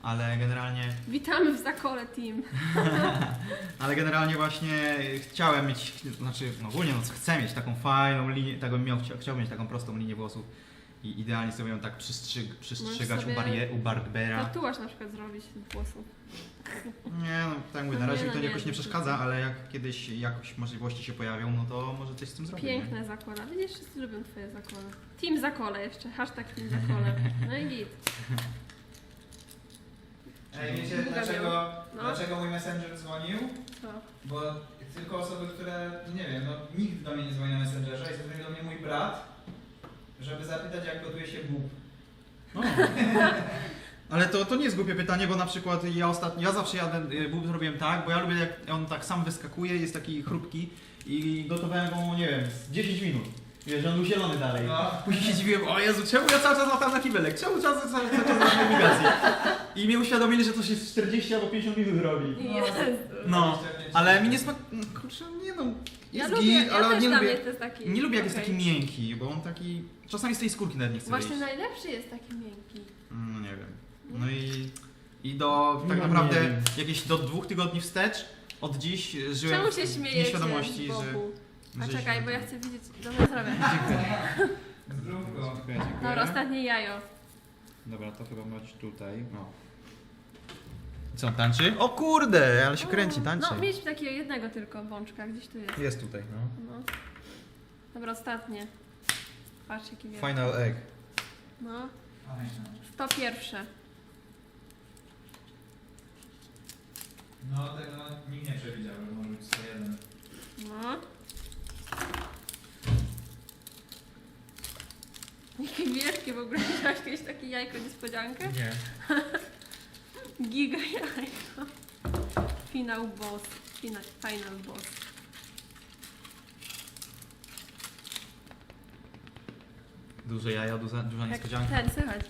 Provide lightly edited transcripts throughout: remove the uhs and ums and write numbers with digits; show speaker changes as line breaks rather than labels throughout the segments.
Ale generalnie...
Witamy w Zakole Team.
Ale generalnie właśnie chciałem mieć, znaczy no ogólnie no chcę mieć taką fajną linię, tak bym chciałbym mieć taką prostą linię włosów i idealnie sobie ją tak przystrzygać u barbera.
Tatuaż na przykład zrobić włosów.
Nie no, tak mówię, na razie mi to jakoś nie przeszkadza, ale jak kiedyś jakoś możliwości się pojawią, no to może coś z tym zrobić.
Piękne Zakola. Widzisz, wszyscy lubią twoje Zakole. Team Zakole jeszcze, hashtag Team Zakole. No i git.
Ej, wiecie dlaczego mój messenger dzwonił?
Co?
Bo tylko osoby, które, nie wiem, no nikt do mnie nie dzwoni na messengerze i zadzwonił do mnie mój brat, żeby zapytać jak gotuje się bób.
No. Ale to nie jest głupie pytanie, bo na przykład ja zawsze bób zrobiłem tak, bo ja lubię jak on tak sam wyskakuje, jest taki chrupki i gotowałem go, nie wiem, z 10 minut. Wiesz, on był zielony dalej.
No.
Później się dziwiłem, o Jezu, czemu ja cały czas latam na kibelek? Czemu cały czas latam na nawigację? I mnie uświadomili, że to się 40 albo 50 minut robi.
Jezu.
No, ale mi nie smak... Kurczę, nie no,
Ja
jest
lubię,
git, ale
też
nie
dla
lubię...
mnie to jest taki...
Nie lubię jak jest
okej.
taki miękki, bo on taki... Czasami z tej skórki nawet nie chce
Właśnie
wyjść.
najlepszy jest taki miękki.
No nie wiem. No i do tak
No,
naprawdę
nie wiem.
jakieś do 2 tygodni wstecz od dziś żyłem
Czemu się
w
śmiejecie
nieświadomości,
z
że...
boku? A
że
czekaj,
się-
bo ja chcę widzieć... Dobra, zrobię.
Zdrówko.
Dziękuję.
Dobra, ostatnie jajo.
Dobra, to chyba mać tutaj. No. Co, on tańczy? O kurde, ale się kręci, tańczy.
No, mieliśmy takiego jednego tylko bączka, gdzieś tu jest.
Jest tutaj, no.
No. Dobra, ostatnie. Patrz jaki wielki.
Final egg.
No. 101.
No tego nikt nie przewidział, że może być 101.
No. Jakie wielkie w ogóle. Widziałaś kiedyś takie jajko niespodziankę?
Nie.
Giga jajko. Final boss. Final boss.
Duże jaja, duża
Jak
niespodzianka.
ten, słychać.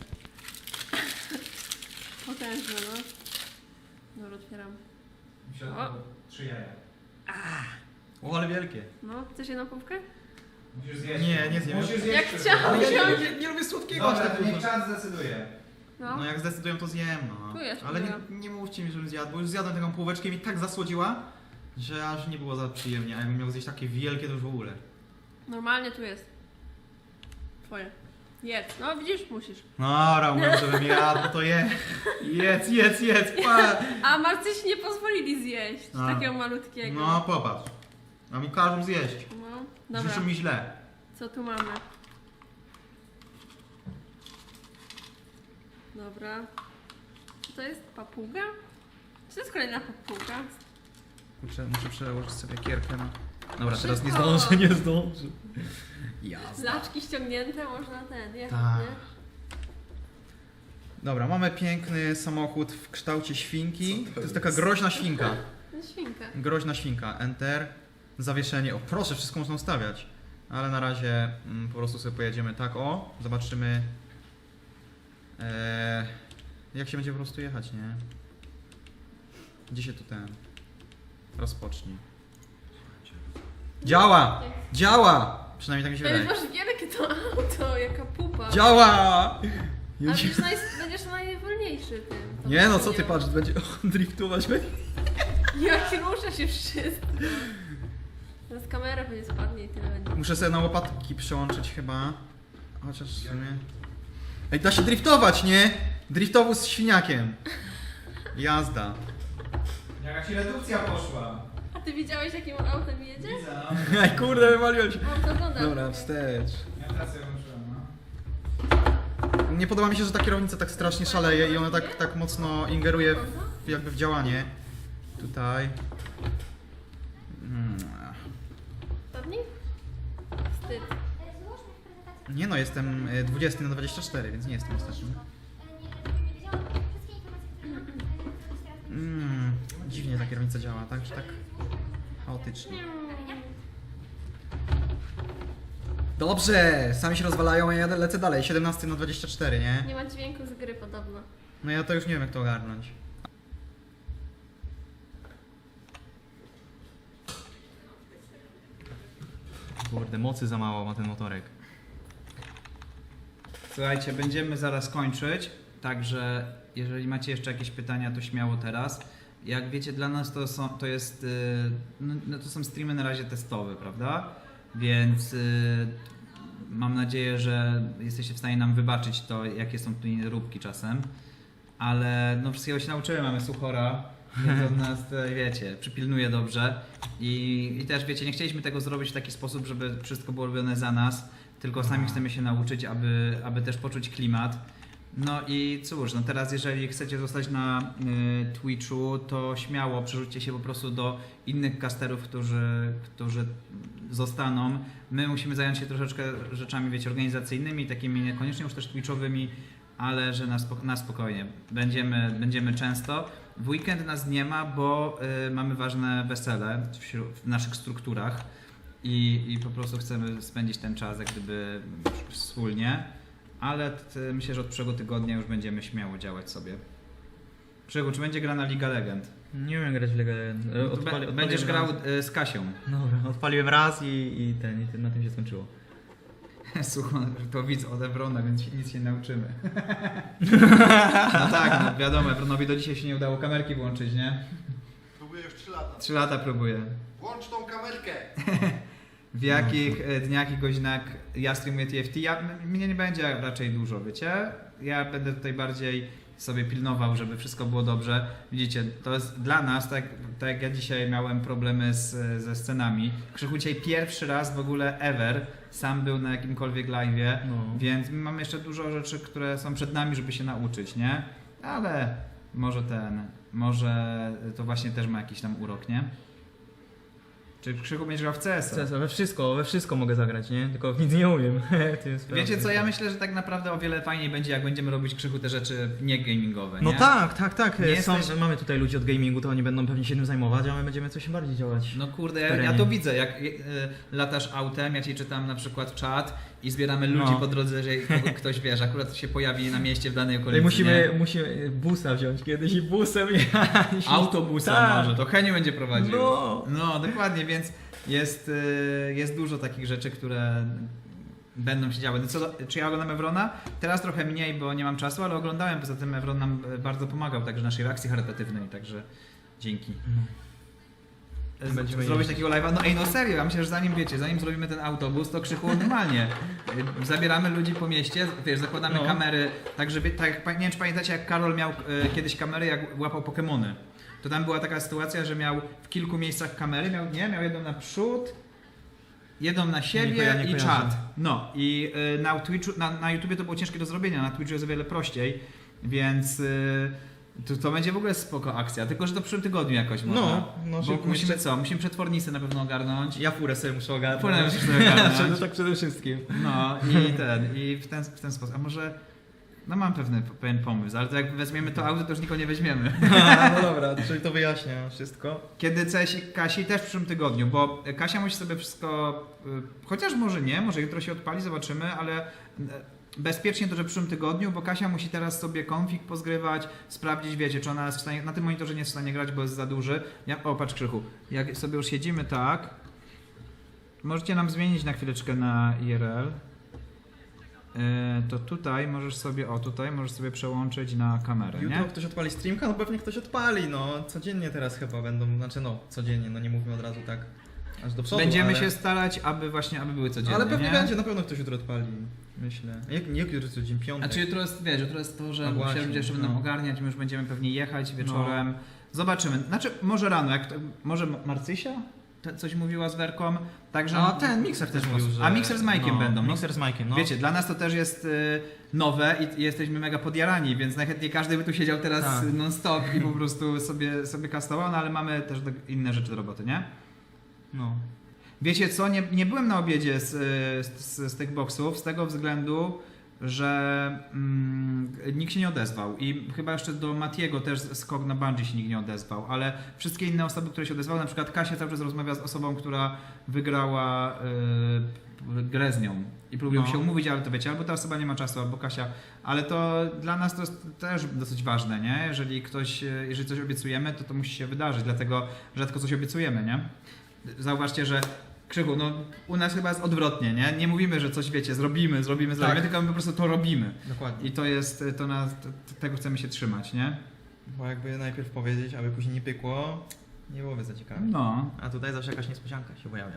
Potężne, no. Dobra, otwieram.
W środku 3 jaja.
O, ale wielkie.
No, chcesz jedną połówkę?
Musisz zjeść.
Nie, nie zjem.
Musisz zjeść
Jak
wszystko.
chciałam.
Ale ja nie lubię słodkiego aż
Dobra,
tak
to niech
dużo.
czas zdecyduje.
No.
No jak zdecydują, to zjem, no.
Tu jest
Ale
próbuję.
nie mówcie mi, żebym zjadł, bo już zjadłem taką półeczkę i mi tak zasłodziła, że aż nie było za przyjemnie, a jakbym miał zjeść takie wielkie, to już w ogóle.
Normalnie tu jest. Twoje. Jedz. No widzisz, musisz.
No, mówię, żebym jadł, no to jedz, pa.
A Marcyś nie pozwolili zjeść
No.
takiego malutkiego.
No, popatrz. A mi każą zjeść.
No. Dobra,
Życzą mi źle.
co tu mamy? Dobra. Co to jest? Papuga? Czy to jest kolejna papuga?
Muszę przełożyć sobie kierkę na... Dobra, teraz nie
Szybko.
zdążę, nie zdążę. Jasne.
Laczki ściągnięte, można ten, jechać,
Tak.
nie?
Dobra, mamy piękny samochód w kształcie świnki. To jest taka groźna świnka.
No świnka.
Groźna świnka. Enter. Zawieszenie. O proszę, wszystko można ustawiać. Ale na razie po prostu sobie pojedziemy tak. O, zobaczymy jak się będzie po prostu jechać, nie? Gdzie się tu ten rozpocznij. Działa! Działa! Przynajmniej tak mi się
Ej,
wydaje.
masz wielkie to auto, jaka pupa.
Działa!
A będziesz najwolniejszy tym.
Nie no, co ty patrz, będzie driftować.
Jak rusza się wszystko. Teraz kamera pewnie spadnie i tyle będzie.
Muszę sobie na łopatki przełączyć chyba. Chociaż w sumie... Ej, da się driftować, nie? Driftowóz z świniakiem. Jazda.
Jaka ci redukcja poszła.
A ty widziałeś jakim on autem jedzie?
Widzę, no.
Ej, kurde, wywaliłem się.
On to ogląda.
Dobra, wstecz.
Ja pracę włączyłem, no.
Nie podoba mi się, że ta kierownica tak strasznie szaleje i ona tak mocno ingeruje jakby w działanie. Tutaj.
Spadnij? Wstyd.
Nie no, jestem 20 na 24, więc nie jestem ostatni. Dziwnie ta kierownica działa, tak? Tak chaotycznie. Dobrze, sami się rozwalają, a ja lecę dalej. 17 na 24, nie?
Nie ma dźwięku z gry podobno.
No ja to już nie wiem jak to ogarnąć. Kurde, mocy za mało ma ten motorek.
Słuchajcie, będziemy zaraz kończyć. Także jeżeli macie jeszcze jakieś pytania, to śmiało teraz. Jak wiecie, dla nas to są streamy na razie testowe, prawda? Więc mam nadzieję, że jesteście w stanie nam wybaczyć to, jakie są tu nieróbki czasem. Ale no wszystkiego się nauczyłem, mamy Suchora, więc on nas, wiecie, przypilnuje dobrze. I też, wiecie, nie chcieliśmy tego zrobić w taki sposób, żeby wszystko było robione za nas, tylko sami chcemy się nauczyć, aby też poczuć klimat. No i cóż, no teraz jeżeli chcecie zostać na Twitchu, to śmiało przerzućcie się po prostu do innych casterów, którzy zostaną. My musimy zająć się troszeczkę rzeczami, wiecie, organizacyjnymi, takimi niekoniecznie już też twitchowymi, ale że na spokojnie. Będziemy często. W weekend nas nie ma, bo mamy ważne wesele w naszych strukturach i po prostu chcemy spędzić ten czas jak gdyby wspólnie. Ale myślę, że od przyszłego tygodnia już będziemy śmiało działać sobie. Krzychu, czy będzie gra na Liga Legend?
Nie umiem grać w Legę.
Będziesz grał z Kasią.
Dobra, odpaliłem raz i na tym się skończyło.
Słuchaj, to widz od Evrona, więc nic się nie nauczymy. No tak, no wiadomo, Evronowi do dzisiaj się nie udało kamerki włączyć, nie?
Próbuję już 3 lata.
3 lata próbuję.
Włącz tą kamerkę!
W jakich dniach i godzinach ja streamuję TFT? Mnie nie będzie raczej dużo, wiecie? Ja będę tutaj bardziej sobie pilnował, żeby wszystko było dobrze. Widzicie, to jest dla nas, tak jak ja dzisiaj miałem problemy ze scenami. Krzychu dzisiaj pierwszy raz w ogóle ever sam był na jakimkolwiek live'ie, więc mamy jeszcze dużo rzeczy, które są przed nami, żeby się nauczyć, nie? Ale może to właśnie też ma jakiś tam urok, nie? Czy Krzychu będziesz grał w CS-a?
We wszystko mogę zagrać, nie? Tylko w nic nie umiem.
Wiecie co, ja myślę, że tak naprawdę o wiele fajniej będzie, jak będziemy robić, Krzychu, te rzeczy nie gamingowe,
No
nie?
tak.
Nie
Mamy tutaj ludzi od gamingu, to oni będą pewnie się tym zajmować, a my będziemy coś bardziej działać.
No kurde,
w
ja
terenie.
to widzę, jak latasz autem, ja ci czytam na przykład czat i zbieramy ludzi po drodze, że ktoś, wiesz, akurat się pojawi na mieście w danej okolicy,
Musimy busa wziąć kiedyś i busem jechać.
Autobusa
Tak.
może, to Heniu będzie prowadził.
No.
Dokładnie, więc jest dużo takich rzeczy, które będą się działy. No czy ja oglądam Evrona? Teraz trochę mniej, bo nie mam czasu, ale oglądałem, poza tym Evron nam bardzo pomagał, także naszej reakcji charytatywnej, także dzięki.
Będziemy
Zrobić
jeździć.
takiego live'a? No serio, ja myślę, że zanim zrobimy ten autobus, to Krzychu normalnie. Zabieramy ludzi po mieście, wiesz, zakładamy kamery, tak żeby, nie wiem czy pamiętacie, jak Karol miał kiedyś kamery, jak łapał Pokemony. To tam była taka sytuacja, że miał w kilku miejscach kamery, miał jedną na przód, jedną na siebie i czat. No i na Twitchu, na YouTubie to było ciężkie do zrobienia, na Twitchu jest o wiele prościej, więc to będzie w ogóle spoko akcja, tylko że to w przyszłym tygodniu jakoś można. Bo musimy przetwornicę na pewno ogarnąć.
Ja furę sobie muszę ogarnąć.
Furę musisz sobie ogarnąć.
Tak przede wszystkim.
No i w ten sposób. A może, no mam pewien pomysł, ale to jak weźmiemy to auto, to już nikogo nie weźmiemy.
No dobra, czyli to wyjaśnia wszystko.
Kiedy CS i Kasi też w przyszłym tygodniu, bo Kasia musi sobie wszystko, chociaż może nie, może jutro się odpali, zobaczymy, ale bezpiecznie to, że w przyszłym tygodniu, bo Kasia musi teraz sobie config pozgrywać, sprawdzić, wiecie, czy ona jest w stanie, na tym monitorze nie jest w stanie grać, bo jest za duży. Patrz Krzychu, jak sobie już siedzimy tak, możecie nam zmienić na chwileczkę na IRL. To tutaj możesz sobie przełączyć na kamerę,
Jutro
nie?
ktoś odpali streamka? No pewnie ktoś odpali, no codziennie teraz chyba będą, codziennie, no nie mówimy od razu tak aż do przodu,
Będziemy
ale...
się starać, aby były codziennie,
Ale pewnie
nie?
będzie, na pewno ktoś jutro odpali, myślę. Jak jutro jest dzień piątek?
Znaczy jutro jest to, że
No właśnie,
się ludzie jeszcze będą ogarniać, my już będziemy pewnie jechać wieczorem. Zobaczymy. Znaczy może rano, może Marcysia coś mówiła z Werką, także...
A ten Mixer też mówił, że...
A Mixer z Majkiem będą.
Mixer z Majkiem, no.
Wiecie, dla nas to też jest nowe i jesteśmy mega podjarani, więc najchętniej każdy by tu siedział teraz non-stop i po prostu sobie kastował, no ale mamy też inne rzeczy do roboty, nie?
No.
Wiecie co, nie byłem na obiedzie z tych boksów z tego względu, że nikt się nie odezwał i chyba jeszcze do Matiego też skok na bungee się nikt nie odezwał, ale wszystkie inne osoby, które się odezwały, na przykład Kasia cały czas rozmawia z osobą, która wygrała grę z nią i próbują się umówić, ale to wiecie, albo ta osoba nie ma czasu, albo Kasia, ale to dla nas to jest też dosyć ważne, nie? Jeżeli coś obiecujemy, to musi się wydarzyć, dlatego rzadko coś obiecujemy, nie? Zauważcie, że Krzychu, no u nas chyba jest odwrotnie, nie? Nie mówimy, że coś wiecie, zrobimy,
Tak.
tylko my po prostu to robimy.
Dokładnie.
I to jest, tego chcemy się trzymać, nie?
Bo jakby najpierw powiedzieć, aby później nie pykło, nie byłoby za ciekawe.
No.
A tutaj zawsze jakaś niespodzianka się pojawia.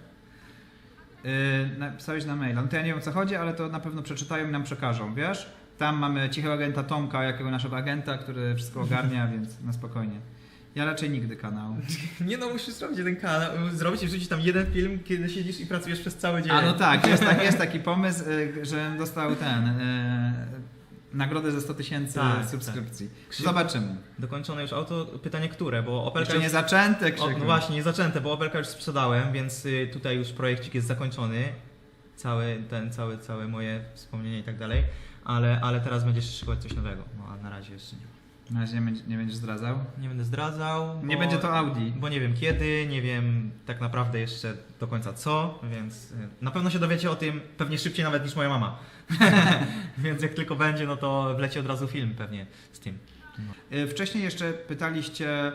Napisałeś na maila. No to ja nie wiem o co chodzi, ale to na pewno przeczytają i nam przekażą, wiesz? Tam mamy cichego agenta Tomka, jakiego naszego agenta, który wszystko ogarnia, więc na spokojnie. Ja raczej nigdy kanał.
Nie no, musisz zrobić jeden kanał, zrobić i wrzucić tam jeden film, kiedy siedzisz i pracujesz przez cały dzień.
A no tak, jest taki pomysł, że dostał nagrodę za 100 000
Tak,
subskrypcji.
tak.
Zobaczymy.
Dokończone już auto, pytanie które, bo Opelka
Jeszcze nie
już...
zaczęte,
O,
Krzychu.
no właśnie, nie zaczęte, bo Opelka już sprzedałem, więc tutaj już projekcik jest zakończony. Całe moje wspomnienie i tak dalej. Ale teraz będziesz szykować coś nowego. No a na razie jeszcze nie.
Na razie nie będziesz zdradzał?
Nie będę zdradzał.
Nie będzie to Audi.
Bo nie wiem kiedy, nie wiem tak naprawdę jeszcze do końca co, więc na pewno się dowiecie o tym pewnie szybciej nawet niż moja mama. Więc jak tylko będzie, no to wleci od razu film pewnie z tym.
Wcześniej jeszcze pytaliście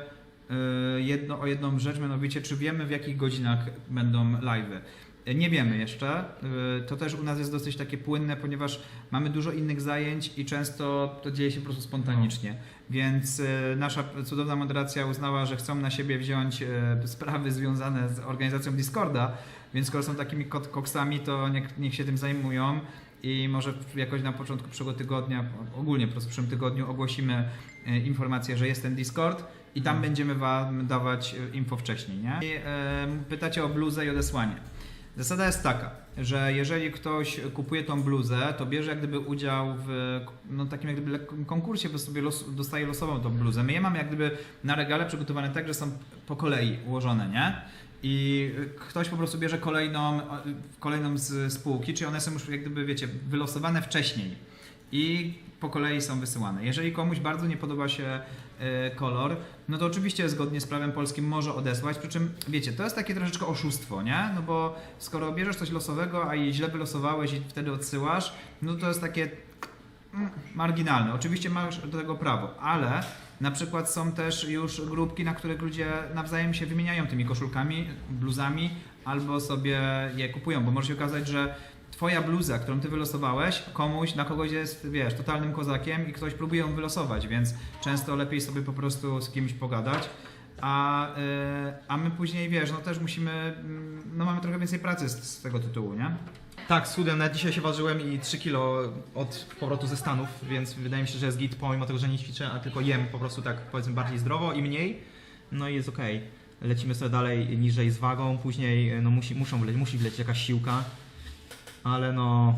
o jedną rzecz, mianowicie czy wiemy w jakich godzinach będą live'y. Nie wiemy jeszcze. To też u nas jest dosyć takie płynne, ponieważ mamy dużo innych zajęć i często to dzieje się po prostu spontanicznie. Więc nasza cudowna moderacja uznała, że chcą na siebie wziąć sprawy związane z organizacją Discorda, więc skoro są takimi koksami, to niech się tym zajmują i może jakoś na początku przyszłego tygodnia, ogólnie po prostu w przyszłym tygodniu ogłosimy informację, że jest ten Discord i tam będziemy wam dawać info wcześniej, nie? I pytacie o bluzę i odesłanie. Zasada jest taka, że jeżeli ktoś kupuje tą bluzę, to bierze jak gdyby udział w takim jak gdyby konkursie, bo sobie dostaje losową tą bluzę. My je mamy jak gdyby na regale przygotowane tak, że są po kolei ułożone, nie? I ktoś po prostu bierze kolejną z spółki, czyli one są już jak gdyby, wiecie, wylosowane wcześniej i po kolei są wysyłane. Jeżeli komuś bardzo nie podoba się kolor, no to oczywiście zgodnie z prawem polskim może odesłać, przy czym wiecie, to jest takie troszeczkę oszustwo, nie? No bo skoro bierzesz coś losowego, a je źle wylosowałeś i wtedy odsyłasz, no to jest takie marginalne. Oczywiście masz do tego prawo, ale na przykład są też już grupki, na których ludzie nawzajem się wymieniają tymi koszulkami, bluzami albo sobie je kupują, bo może się okazać, że twoja bluza, którą ty wylosowałeś, na kogoś jest, wiesz, totalnym kozakiem i ktoś próbuje ją wylosować, więc często lepiej sobie po prostu z kimś pogadać. A my później, wiesz, no też musimy, no mamy trochę więcej pracy z tego tytułu, nie?
Tak, schudłem, nawet dzisiaj się ważyłem i 3 kilo od powrotu ze Stanów, więc wydaje mi się, że jest git, pomimo tego, że nie ćwiczę, a tylko jem po prostu tak powiedzmy bardziej zdrowo i mniej, no i jest okej. Lecimy sobie dalej niżej z wagą, później no musi wlecieć jakaś siłka, ale no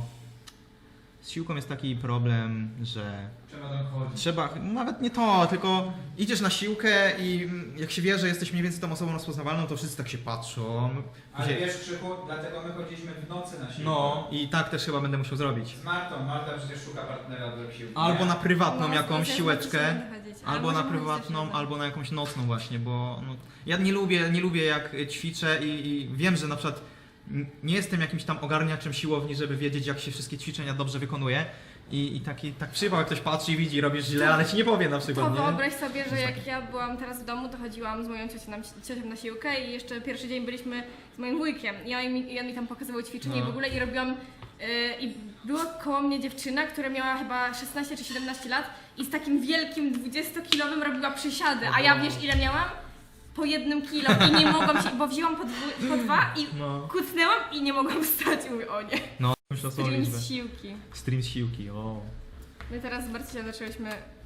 z siłką jest taki problem, że trzeba, nawet nie to, tylko idziesz na siłkę i jak się wie, że jesteś mniej więcej tą osobą rozpoznawalną, to wszyscy tak się patrzą.
Ale wiesz, Krzychu, dlatego my chodziliśmy w nocy na siłkę.
No i tak też chyba będę musiał zrobić.
Z Martą. Marta przecież szuka partnera do siłki.
Albo na prywatną
No,
jakąś
też
siłeczkę,
możemy chodzić. A
albo na
możemy chodzić
prywatną,
też
albo na jakąś nocną właśnie, bo no, ja nie lubię jak ćwiczę i wiem, że na przykład nie jestem jakimś tam ogarniaczem siłowni, żeby wiedzieć jak się wszystkie ćwiczenia dobrze wykonuje i tak przyjechał, jak ktoś patrzy i widzi, robisz źle, ale ci nie powie na
To
przykład, nie?
wyobraź sobie, że jak ja byłam teraz w domu, to chodziłam z moją ciocią na siłkę i jeszcze pierwszy dzień byliśmy z moim wujkiem i on mi tam pokazywał ćwiczenie
No.
w ogóle i robiłam i była koło mnie dziewczyna, która miała chyba 16 czy 17 lat i z takim wielkim 20-kilowym robiła przysiady, a ja wiesz ile miałam? Po 1 kilo i nie mogłam się, bo wzięłam po 2 i
No,
kucnęłam i nie mogłam wstać i mówię, o nie,
myślę o
stream
liczbę.
z siłki.
Stream z siłki, o.
My teraz z Marcinem zaczęłyśmy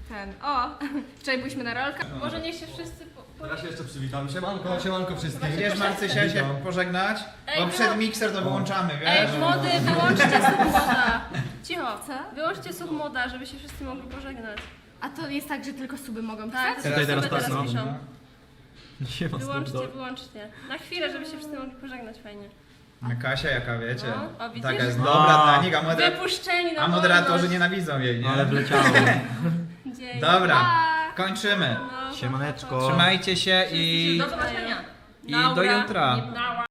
wczoraj byliśmy na rolkach. Może niech się wszyscy
Teraz się jeszcze przywitam. Siemanko wszystkim.
Wiesz, Marcysia, się pożegnać? Bo przed mikser to wyłączamy,
Ej,
wiesz?
młody, wyłączcie submoda. Cicho.
Co?
Wyłączcie submoda, żeby się wszyscy mogli pożegnać.
A to jest tak, że tylko suby mogą
Tak,
pisać?
Tutaj teraz
osoby
tak, no.
piszą.
Nie ma
Wyłączcie. Na chwilę, żeby się wszyscy mogli pożegnać fajnie.
A Kasia, jaka wiecie?
No, o, widzisz?
Taka jest
No.
dobra dla nich,
Wypuszczeni na
a moderatorzy
wolność.
nienawidzą jej, nie?
Ale wleciało.
Dzień.
Dobra,
Pa!
kończymy.
No,
Siemaneczko.
Trzymajcie się i
Do zobaczenia.
do jutra.
Na